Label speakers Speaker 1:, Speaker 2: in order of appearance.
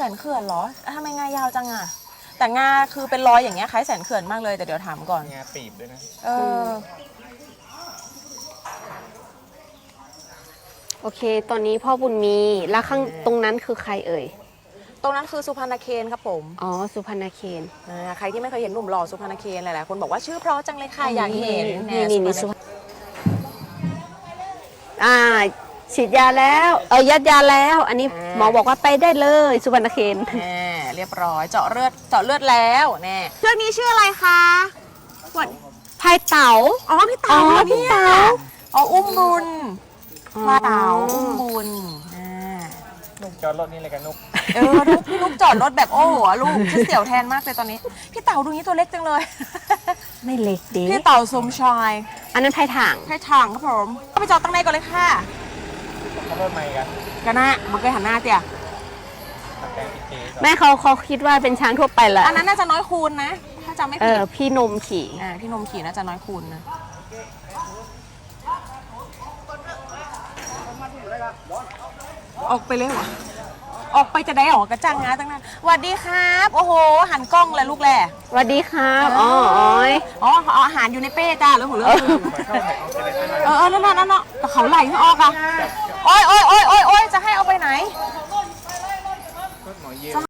Speaker 1: นเขื่อนเหรอทำไมงายาวจังอะแต่งาคือเป็นรอยอย่างเงี้ยคล้ายแสนเขื่อนมากเลยแต่เดี๋ยวถามก่อน
Speaker 2: งาปีบด้วยนะ
Speaker 1: เออ
Speaker 3: โอเค ตอนนี้พ่อบุญมีแล้วข้างตรงนั้นคือใครเอ่ย
Speaker 1: ตรงนั้นคือสุพรรณเคนครับผม
Speaker 3: อ๋อ สุพรรณเคน
Speaker 1: ใครที่ไม่เคยเห็นหนุ่มหล่อสุพรรณเคนหลายๆคนบอกว่าชื่อเพราะจังเลยค่ะอยากเห็น
Speaker 3: นี่สุพรรณฉีดยาแล้วยัดยาแล้ว อันนี้หมอบอกว่าไปได้เลยสุพรรณเคน
Speaker 1: เรียบร้อยเจาะเลือดแล้วแน่เชือกนี้ชื่ออะไรคะวัด
Speaker 3: พายเต๋า
Speaker 1: อ๋อพี่เต๋า
Speaker 3: พี่เต๋า
Speaker 1: อ๋ออุ้มบุญพาเต๋าอุ้มบุญ
Speaker 2: นุกจอดรถนี่เลยกันนุก
Speaker 1: พี่นุกจอดรถแบบโอ้โหลูกฉันเสียวแทนมากเลยตอนนี้พี่เต๋าดูนี้ตัวเล็กจังเลย
Speaker 3: ไม่เล็กดิ
Speaker 1: พี่เต๋าสมชาย
Speaker 3: อันนั้นพายถ่าง
Speaker 1: ให้ทางครับผมก็ไปจอดตั้งในก่อนเลยค่ะ
Speaker 2: ขับรถใหม่กัน
Speaker 1: กันนะมันเคยหันหน้าเตี่ย
Speaker 2: ขับแกงพิเศษ
Speaker 3: แม่เขาคิดว่าเป็นช้างทั่วไปแหละ
Speaker 1: อันนั้นน่าจะน้อยคูณนะถ้าจำไม่ผิด
Speaker 3: พี่นมขี่
Speaker 1: พี่นมขี่น่าจะน้อยคูณนะออกไปเลยเหรอออกไปจะได้หรอกระจังงาตั้งนั้นสวัสดีครับโอ้โหหันกล้องเลยลูกแหล่
Speaker 3: สวัสดีครับอ๋อ
Speaker 1: เอาอาหารอยู่ในเป้จ้าแล้วหัวเรื่องนั่นแต่เขาไหลไม่ออกอ่ะโอ้ยจะให้เอาไปไหน
Speaker 2: รถหมอเย็น